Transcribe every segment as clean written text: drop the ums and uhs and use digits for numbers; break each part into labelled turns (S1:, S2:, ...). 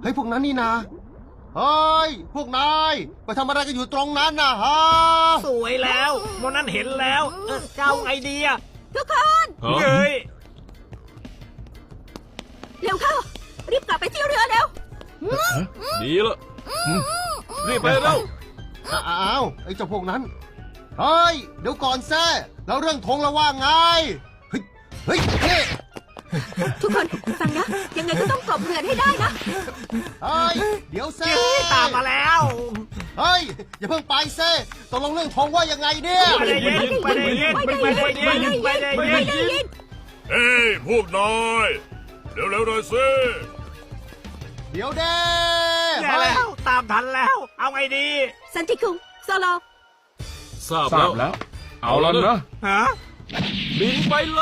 S1: ฮ้ยพวกนั้นนี่นะเฮ้ยพวกนายไปทำอะไรกันอยู่ตรงนั้นนะฮะ
S2: สวยแล้วโมนั้นเห็นแล้วเจ้าไอเดีย
S3: ทุกคน
S2: เฮ้ย
S3: เร็วเข้า รีบกลับไปที่เรือเร็ว
S4: ดีละรีบไปเร็ว
S1: อ้าวไอ้เจ้าพวกนั้นเฮ้ยเดี๋ยวก่อนแซ่แล้วเรื่องธงละว่าไงเฮ้ยเฮ้ยเฮ้
S3: ทุกคนฟังนะ ยังไงก็ต้องกลบเรือนให้ได้นะ
S1: เฮ้ยเดี๋ยวแซ่
S2: ตามมาแล้ว
S1: เฮ้ยอย่าเพิ่งไปแซ่ตกลงเรื่องธงว่ายังไงเนี่ย
S2: ไม่ได้ยินไม่ได้ยินไม่ได้ยินไม่ได้ยิน
S5: เฮ้ยพวกนายเร็วๆหน่อยสิ
S1: เดี๋ยวเด้
S2: แย่แล้วตามทันแล้ว เอาไงดี
S3: สันติคุงโซโล
S4: ทราบ
S6: ทรา
S4: แล้
S6: บ
S4: ว
S6: แล้ว เอาแล้วนะ
S2: ฮะ
S4: บินไปเลย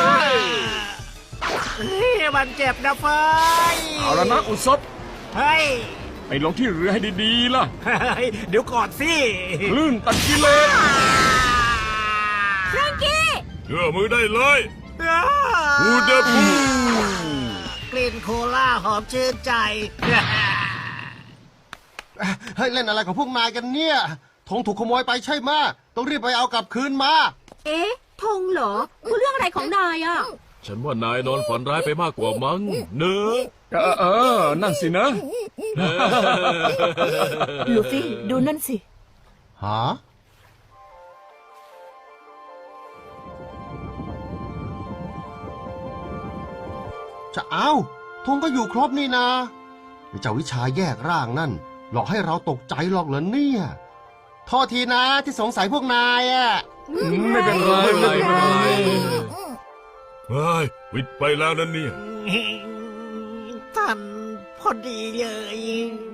S2: มันเจ็บนะเฟย
S6: เอาแล้วนะอุศบ
S2: เฮ้ย
S6: ไปลงที่เรือให้ดีๆล่ะ
S2: เดี๋ยวก่อนสิ
S6: คลื่นตัดกิเลส
S3: แฟรงกี้
S5: เชื่อมือได้เลยฮูเดบู
S2: กลิ่นโคลาหอมชื่นใจ
S1: เฮ้ยเล่นอะไรของพวกนายกันเนี่ยธงถูกขโมยไปใช่ไหมต้องรีบไปเอากลับคืนมา
S3: เอ๊ะธงเหรอพูดเรื่องอะไรของนายอ่ะ
S4: ฉันว่านายนอนฝันร้ายไปมากกว่ามั้งเนอะ
S6: นั่นสินะ
S7: ลูฟี่ดูนั่นสิ
S1: ฮะจะเอาธงก็อยู่ครบนี่นะเจ้าวิชาแยกร่างนั่น หลอกให้เราตกใจหรอกเหรอเนี่ยโทษทีนะที่สงสัยพวกนายอ่ะ
S6: ไม่เป็นไรไม่เป็นไร
S5: เฮ้ยวิทย์ไปแล้วนั่นเนี่ย
S2: ท่านพอดีเลย